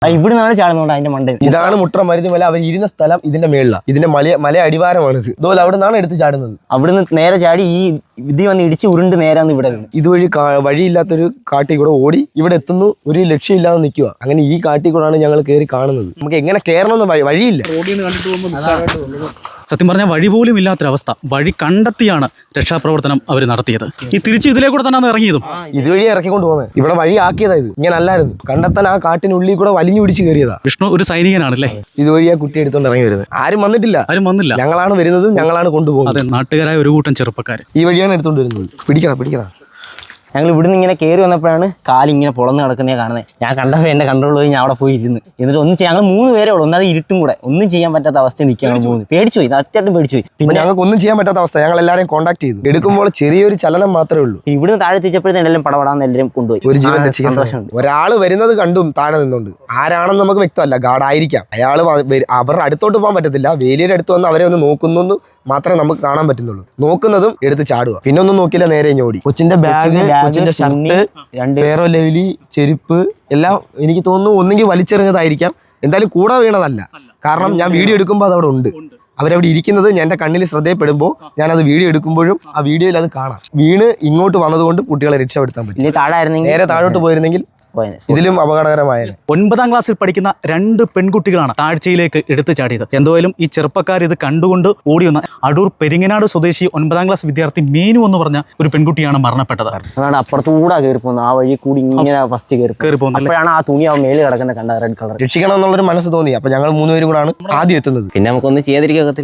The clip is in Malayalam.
ഇവിടെ നിന്നാണ് ചാടുന്നുണ്ട് അതിന്റെ മണ്ടയിൽ. ഇതാണ് മുട്ട്ര മരുന്നുമല. അവർ ഇരുന്ന സ്ഥലം ഇതിന്റെ മേളിലാണ്. ഇതിന്റെ മല അടിവാരമാണ്. ഇതുപോലെ അവിടെ നിന്നാണ് എടുത്ത് ചാടുന്നത്. അവിടുന്ന് നേരെ ചാടി ഈ ഇത് വന്ന് ഇടിച്ച് ഉരുണ്ട് നേരാന്ന് ഇവിടെ വീണ്. ഇതുവഴി വഴിയില്ലാത്തൊരു കാട്ടിൽ കൂടെ ഓടി ഇവിടെ എത്തുന്നു. ഒരു ലക്ഷ്യമില്ലാതെ നിൽക്കുക. അങ്ങനെ ഈ കാട്ടിൽ കൂടെയാണ് ഞങ്ങൾ കയറി കാണുന്നത്. നമുക്ക് എങ്ങനെ കയറണമെന്ന് വഴിയില്ല. സത്യം പറഞ്ഞാൽ വഴി പോലും ഇല്ലാത്തൊരവസ്ഥ. വഴി കണ്ടെത്തിയാണ് രക്ഷാപ്രവർത്തനം അവർ നടത്തിയത്. ഈ തിരിച്ച് ഇതിലേക്കൂടെ തന്നെ ഇറങ്ങിയതും ഇതുവഴി ഇറക്കിക്കൊണ്ട് പോകുന്നത്. ഇവിടെ വഴി ആക്കിയതാ ഇത്. ഇങ്ങനെ അല്ലായിരുന്നു. കണ്ടെത്താൻ ആ കാട്ടിനുള്ളിൽ കൂടെ വലിഞ്ഞു പിടിച്ച് കയറിയതാ. വിഷ്ണു ഒരു സൈനികനാണല്ലേ. ഇതുവഴിയാ കുട്ടി എടുത്തോണ്ട് ഇറങ്ങി വരുന്നത്. ആരും വന്നില്ല. ഞങ്ങളാണ് വരുന്നതും ഞങ്ങളാണ് കൊണ്ടുപോകുന്നത്. അതെ, നാട്ടുകാരായ ഒരു കൂട്ടം ചെറുപ്പക്കാർ ഈ വഴിയാണ് എടുത്തോണ്ട് വരുന്നത്. പിടിക്കണം. ഞങ്ങൾ ഇവിടുന്ന് ഇങ്ങനെ കയറി വന്നപ്പോഴാണ് കാലിങ്ങനെ പൊളന്ന് കിടക്കുന്നേ കാണുന്നത്. ഞാൻ കണ്ടപ്പോൾ എൻ്റെ കൺട്രോൾ പോയി ഞാൻ അവിടെ പോയി ഇരുന്ന്. എന്നിട്ട് ഒന്നും ചെയ്യാൻ ഞങ്ങൾ 3 പേരേ ഉള്ളൂ. ഒന്നത് ഇരുട്ടും കൂടെ ഒന്നും ചെയ്യാൻ പറ്റാത്ത അവസ്ഥ നിൽക്കുക. ഞങ്ങൾ 3 പേടിച്ചു പോയി. അത്യാവശ്യം പേടിച്ചു പോയി. പിന്നെ ഞങ്ങൾക്ക് ഒന്നും ചെയ്യാൻ പറ്റാത്ത അവസ്ഥ. ഞങ്ങൾ എല്ലാവരെയും കോൺടാക്ട് ചെയ്തു. എടുക്കുമ്പോൾ ചെറിയൊരു ചലനം മാത്രമേ ഉള്ളൂ. ഇവിടുന്ന് താഴെ തിരിച്ചപ്പോഴത്തേനും എല്ലാം പടപടാന്ന് എല്ലാവരും കൊണ്ടുപോയി. ഒരു ജീവൻ സന്തോഷമുണ്ട്. ഒരാൾ വരുന്നത് കണ്ടും താഴെ നിന്നുണ്ട്. ആരാണെന്ന് നമുക്ക് വ്യക്തമല്ല. ഗാർഡ് ആയിരിക്കാം. അയാൾ അവരുടെ അടുത്തോട്ട് പോകാൻ പറ്റത്തില്ല. വേലിയുടെ അടുത്ത് വന്ന് അവരെ ഒന്ന് നോക്കുന്നു മാത്രമേ നമുക്ക് കാണാൻ പറ്റുന്നുള്ളൂ. നോക്കുന്നതും എടുത്ത് ചാടുക. പിന്നെ ഒന്നും നോക്കില്ല, നേരെ ഓടി. കൊച്ചിന്റെ ബാഗ്, കൊച്ചിന്റെ ഷർട്ട്, ഫെയറോ ലവ്ലി, ചെരുപ്പ് എല്ലാം എനിക്ക് തോന്നുന്നു ഒന്നെങ്കിൽ വലിച്ചെറിഞ്ഞതായിരിക്കാം. എന്തായാലും കൂടെ വീണതല്ല. കാരണം ഞാൻ വീഡിയോ എടുക്കുമ്പോൾ അതവിടെ ഉണ്ട്. അവരവിടെ ഇരിക്കുന്നത് എൻ്റെ കണ്ണിൽ ശ്രദ്ധയപ്പെടുമ്പോൾ ഞാനത് വീഡിയോ എടുക്കുമ്പോഴും ആ വീഡിയോയിൽ അത് കാണാം. വീണ് ഇങ്ങോട്ട് വന്നതുകൊണ്ട് കുട്ടികളെ രക്ഷപ്പെടുത്താൻ പറ്റും. നേരെ താഴോട്ട് പോയിരുന്നെങ്കിൽ ഇതിലും അപകടകരമായ 9ാം ക്ലാസ്സിൽ പഠിക്കുന്ന 2 പെൺകുട്ടികളാണ് താഴ്ചയിലേക്ക് എടുത്തു ചാടിയത്. എന്തായാലും ഈ ചെറുപ്പക്കാർ ഇത് കണ്ടുകൊണ്ട് ഓടി വന്ന അടൂർ പെരിങ്ങനാട് സ്വദേശി 9ാം ക്ലാസ് വിദ്യാർത്ഥി മീനു എന്ന് പറഞ്ഞ ഒരു പെൺകുട്ടിയാണ് മരണപ്പെട്ടത്. അതാണ് അപ്പുറത്തുകൂടെ കയറി പോകുന്നത്. ആ വഴി കൂടി ഇങ്ങനെ ഫസ്റ്റ് കയറി പോകുന്നത്. അപ്പോഴാണ് ആ തുണി ആ മേല് കിടക്കുന്ന കണ്ട റെഡ് കളർ. രക്ഷിക്കണം എന്നുള്ളൊരു മനസ്സ് തോന്നി. അപ്പൊ ഞങ്ങൾ 3 പേരും കൂടാണ് ആദ്യം എത്തുന്നത്. പിന്നെ നമുക്കൊന്നും ചെയ്യാതിരിക്കുക.